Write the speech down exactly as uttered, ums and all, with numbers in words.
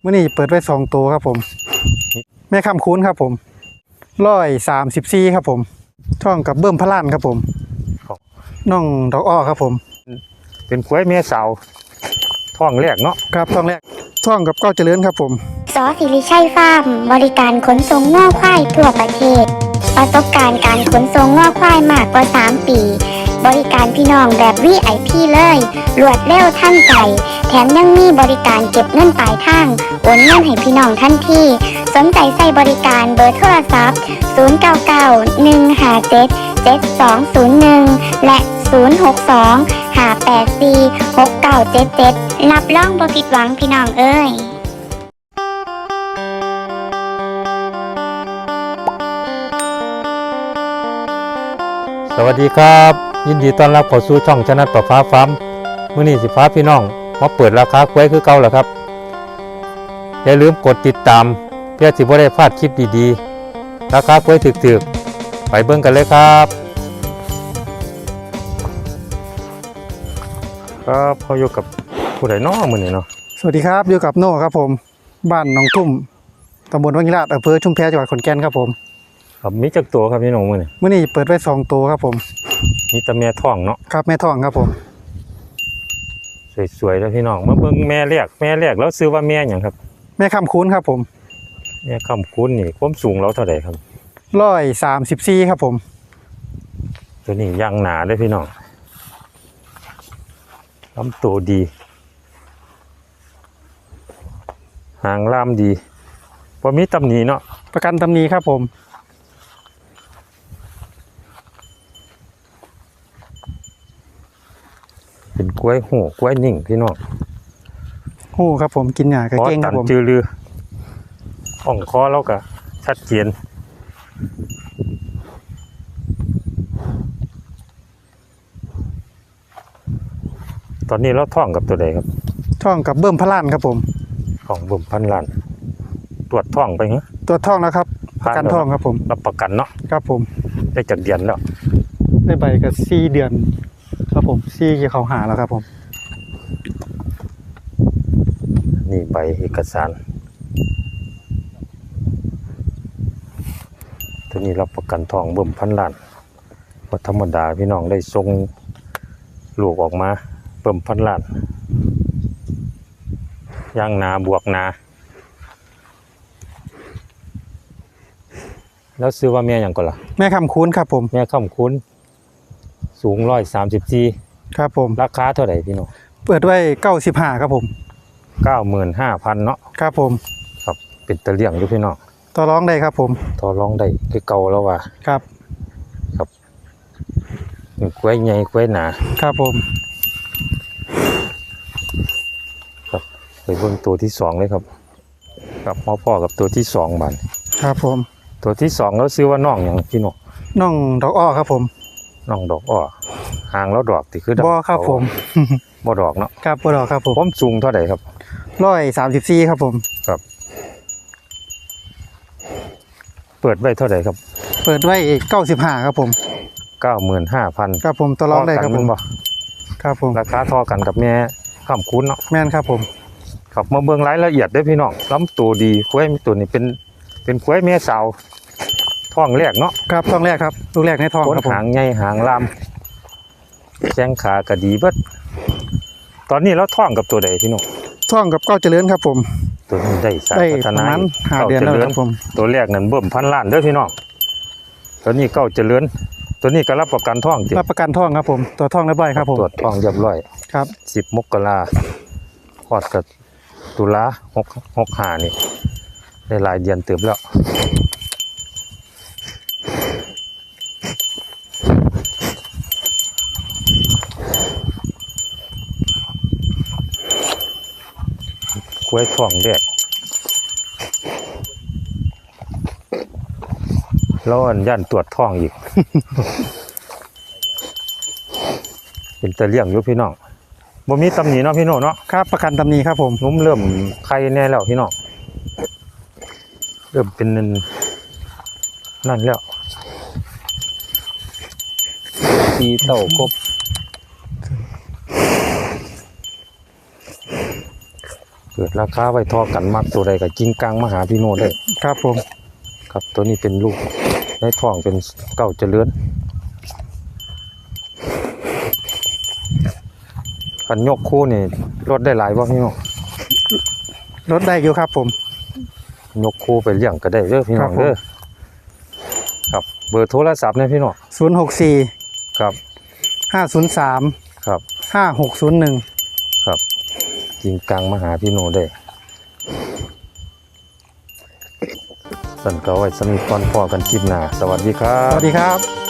มื่อนี้เปิดไว้สองตัวครับผมแม่คำคุ้นครับผมร้อยสามสิบสี่ครับผมท่องกับเบิ้มพระล้านครับผมน้องดอกอ้อครับผมเป็นกล้วยแม่สาวท้องแรกเนาะครับท่องแรกท่องกับเก้าเจริญครับผมสอสิริชัยฟาร์มบริการขนส่งง่อควายทั่วประเทศประสบการณ์การขนส่งง่อควายมากกว่าสามปีบริการพี่น้องแบบ วี ไอ พี เลยรวดเร็วทันใจแถมยังมีบริการเก็บเงินปลายทางโอนเงินให้พี่น้องทันทีสนใจใส่บริการเบอร์โทรศัพท์ศูนย์ เก้า เก้า หนึ่ง ห้า เจ็ด เจ็ด สอง ศูนย์ หนึ่งและศูนย์ หก สอง ห้า แปด สี่ หก เก้า เจ็ด เจ็ดรับรองบ่ผิดหวังพี่น้องเอ้ยสวัสดีครับยินดีต้อนรับเข้าสู่ช่องชนะประฟ้าฟาร์มมื้อนี้สิฟ้าพี่น้องมาเปิดราคากล้วยคือเก่าแล้วครับอย่าลืมกดติดตามเพื่อสิบ่ได้พลาดคลิปดีๆราคากล้วยถึกๆไปเบิ่งกันเลยครับครับพออยู่กับผู้ใดน้อมื้อนี้เนาะสวัสดีครับอยู่กับโน่ครับผมบ้านหนองทุ่มตำบลวังยิราชอำเภอชุมแพจังหวัดขอนแก่นครับผมครับมีจักตัวครับพี่น้องมื้อนี้มื่อนี้เปิดไว้สองตัวครับผมมีแต่แม่ท้องเนาะครับแม่ท้องครับผมสวยๆแล้วพี่น้องมาเบิ่งแม่แรกแม่แรกแล้วซื้อว่าแม่หยังครับแม่คำคุ้นครับผมแม่คำคุ้นนี่ความสูงเราเท่าไหร่ครับร้อยสามสิบสี่ครับผมตัวนี้ยางหนาเลยพี่น้องลำตัวดีหางล่ามดีพอมีตำหนิเนาะประกันตำหนิครับผมเป็นกล้วยหูกล้วยนิ่งพี่น้องหูครับผมกินหญ้ากระเก้งครับผมจือลืออ่องคอแล้วก็ชัดเจนตอนนี้เราท่องกับตัวใดครับท่องกับเบิ้มพระล้านครับผมของเบิ้มพันล้านตรวจท่องไปเหรอตรวจท่องแล้วครับประกันท่องครับผมรับประกันเนาะครับผมได้จากเดือนแล้วได้ใบกับสี่เดือนครับผมสี่เกี่ยวเขาหาแล้วครับผมนี่ใบเอกสารตัวนี้รับประกันทองเบิ่มพันล้านว่าธรรมดาพี่น้องได้ทรงลูกออกมาเบิ่มพันล้านย่างนาบวกนาแล้วซื้อว่าแม่อย่างก่อนล่ะแม่คำคุ้นครับผมแม่คำคุ้นสูงร้อยสามสิบสี่ครับผมราคาเท่าไหร่พี่น้องเปิดไว้เก้าสิบห้าครับผมเก้าหมื่นห้าพันเนาะครับผมครับเป็นตะเลี่ยงอยู่พี่น้องต่อร้องได้ครับผมต่อร้องได้คือเก่าแล้วว่ะครับครับกล้วยใหญ่กล้วยหนาครับผมครับไปเบิ่งตัวที่สองเลยครับกับพ่อพ่อกับตัวที่สองบานครับผมตัวที่สองแล้วซื้อว่าน้องอย่างพี่น้องน้องดอกอ้อครับผมน้องดอกอ้อหางแล้วดอกติคือดอกบ่ครับผมบ่ดอกเนาะครับบ่ดอกครับผมความสูงเท่าไหร่ครับร้อยสามสิบสี่ครับผมครับเปิดไว้เท่าไหร่ครับเปิดไว้เก้าสิบห้าครับผมเก้าหมื่นห้าพันครับผมต่อรองได้ครับผมครับผมราคาเท่ากันกับแม่ข้ามคุ้นเนาะแม่นครับผมครับมาเบิ่งรายละเอียดได้พี่น้องลำตัวดีกล้วยตัวนี้เป็นเป็นกล้วยแม่สาวท้องแรกเนาะครับท้องแรกครับลูกแรกในท้องครับผมหางใหญ่หางลำแข้งขากระดีเบิดตอนนี้เราท้องกับตัวใดพี่น้องท้องกับเก้าเจริญครับผมตัวนี้ได้สายพัฒนาหาเดือนแล้วครับผมตัวแรกนั่นเบิ่มพันล้านเด้อพี่น้องตัวนี้เก้าเจริญตัวนี้ก็รับประกันท้องรับประกันท้องครับผมตัวท้องเรียบร้อยครับผมตรวจท้องเรียบร้อยครับสิบมกราคลอดกับตุลาหกหกหานี่ได้หลายเดือนเติบแล้วกล้วยท้องแรกแล้วอันย่านตรวจท้องอีก เป็นตะเลี่ยงอยู่พี่น้องบ่มีตำหนิเนาะพี่น้องเนาะครับประกันตำหนิครับผมนุ่มเริ่มไข่แน่แล้วพี่น้องเริ่มเป็นนั่นแล้วตีเต่าครบเปิดราคาไว้ทอกันมักตัวใดก็กิ้งกลางมาหาพี่โน่ได้ครับผมครับตัวนี้เป็นลูกในท้องเป็นเก้าเจริญคันยกคู่นี่ลดได้หลายบ่พี่น้องลดได้อยู่ครับผมยกคู่ไปเลี้ยงก็ได้เด้อพี่น้องครับผมเด้อครับเบอร์โทรศัพท์เนี่ยพี่น้องศูนย์หกสี่ครับห้าศูนย์สามครับห้าหกศูนย์หนึ่งครับกิ้งกลางมาหาพี่โน่ได้สั่นก็ไว้สมีก่อนพอกันคลิปหน้าสวัสดีครัสบวัสดีครับ